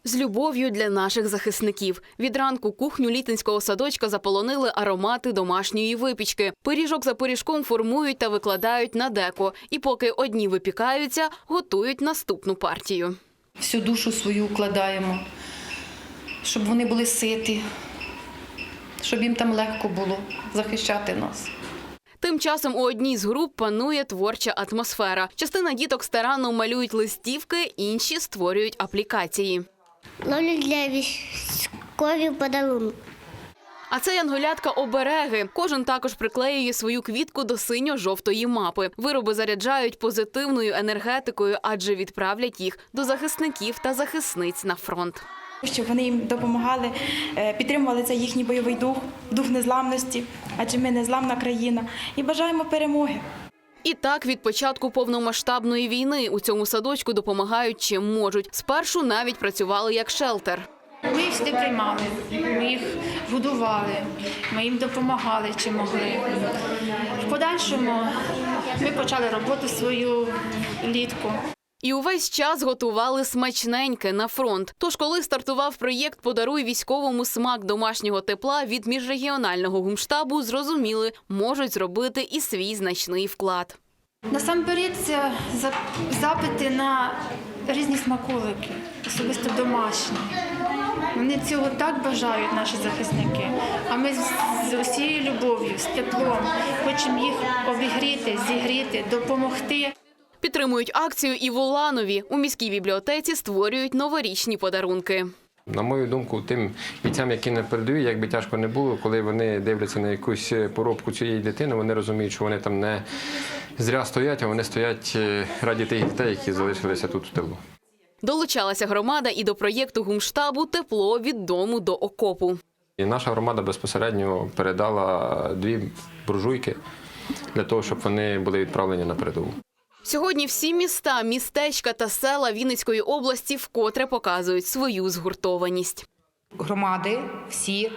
З любов'ю для наших захисників. Від ранку кухню літинського садочка заполонили аромати домашньої випічки. Пиріжок за пиріжком формують та викладають на деко. І поки одні випікаються, готують наступну партію. Всю душу свою вкладаємо, щоб вони були ситі, щоб їм там легко було захищати нас. Тим часом у одній з груп панує творча атмосфера. Частина діток старанно малюють листівки, інші створюють аплікації. Ловлю для військових подарунок. А це янголятка-обереги. Кожен також приклеює свою квітку до синьо-жовтої мапи. Вироби заряджають позитивною енергетикою, адже відправлять їх до захисників та захисниць на фронт. Щоб вони їм допомагали, підтримували цей їхній бойовий дух, дух незламності, адже ми незламна країна. І бажаємо перемоги. І так, від початку повномасштабної війни у цьому садочку допомагають чим можуть. Спершу навіть працювали як шелтер. Ми їх сюди приймали, ми їх годували, ми їм допомагали, чим могли. В подальшому ми почали роботу свою влітку. І увесь час готували смачненьке на фронт. Тож, коли стартував проєкт «Подаруй військовому смак домашнього тепла» від міжрегіонального гумштабу, зрозуміли, можуть зробити і свій значний вклад. Насамперед, це запити на різні смаколики, особисто домашні. Вони цього так бажають, наші захисники. А ми з усією любов'ю, з теплом хочемо їх обігріти, зігріти, допомогти. Підтримують акцію і в Уланові. У міській бібліотеці створюють новорічні подарунки. На мою думку, тим бійцям, які на передовій, як би тяжко не було, коли вони дивляться на якусь поробку цієї дитини, вони розуміють, що вони там не зря стоять, а вони стоять раді тих дітей, які залишилися тут в тилу. Долучалася громада і до проєкту гумштабу «Тепло від дому до окопу». І наша громада безпосередньо передала 2 буржуйки для того, щоб вони були відправлені на передову. Сьогодні всі міста, містечка та села Вінницької області вкотре показують свою згуртованість. Громади всі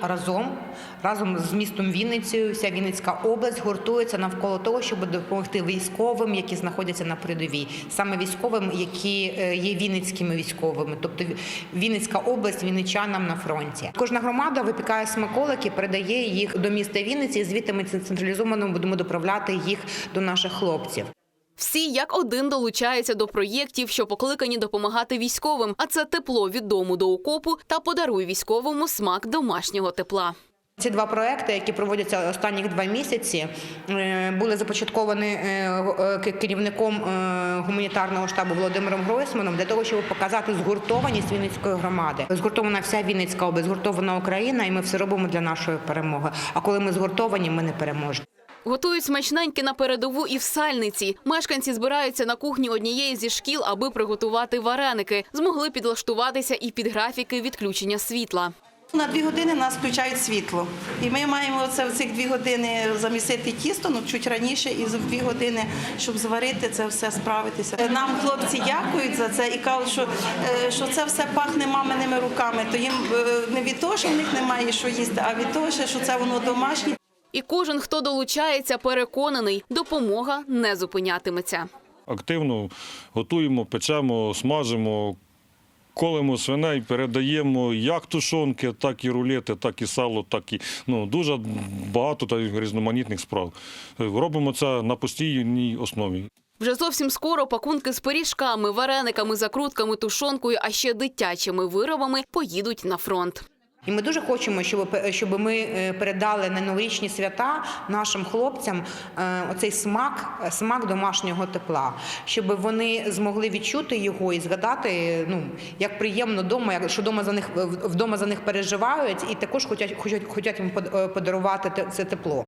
разом з містом Вінницею, вся Вінницька область гуртується навколо того, щоб допомогти військовим, які знаходяться на передовій. Саме військовим, які є вінницькими військовими, тобто Вінницька область вінничанам на фронті. Кожна громада випікає смаколики, передає їх до міста Вінниці, і звідти ми централізовано будемо доправляти їх до наших хлопців. Всі як один долучаються до проєктів, що покликані допомагати військовим. А це «Тепло від дому до окопу» та «Подаруй військовому смак домашнього тепла». Ці 2 проекти, які проводяться останніх 2 місяці, були започатковані керівником гуманітарного штабу Володимиром Гройсманом для того, щоб показати згуртованість Вінницької громади. Згуртована вся Вінницька область, згуртована Україна, і ми все робимо для нашої перемоги. А коли ми згуртовані, ми не переможемо. Готують смачненькі на передову і в Сальниці. Мешканці збираються на кухні однієї зі шкіл, аби приготувати вареники. Змогли підлаштуватися і під графіки відключення світла. На 2 години нас включають світло. І ми маємо в цих 2 години замісити тісто, чуть раніше, і за 2 години, щоб зварити це все, справитися. Нам хлопці дякують за це і кажуть, що це все пахне маминими руками. То їм не від того, що в них немає що їсти, а від того, що це воно домашнє. І кожен, хто долучається, переконаний, допомога не зупинятиметься. Активно готуємо, печемо, смажимо, колемо свиней, передаємо як тушонки, так і рулети, так і сало, так і дуже багато різноманітних справ. Робимо це на постійній основі. Вже зовсім скоро пакунки з пиріжками, варениками, закрутками, тушонкою, а ще дитячими виробами поїдуть на фронт. І ми дуже хочемо, щоб ми передали на новорічні свята нашим хлопцям оцей смак домашнього тепла, щоб вони змогли відчути його і згадати, як приємно вдома, що вдома за них переживають і також хочуть їм подарувати це тепло.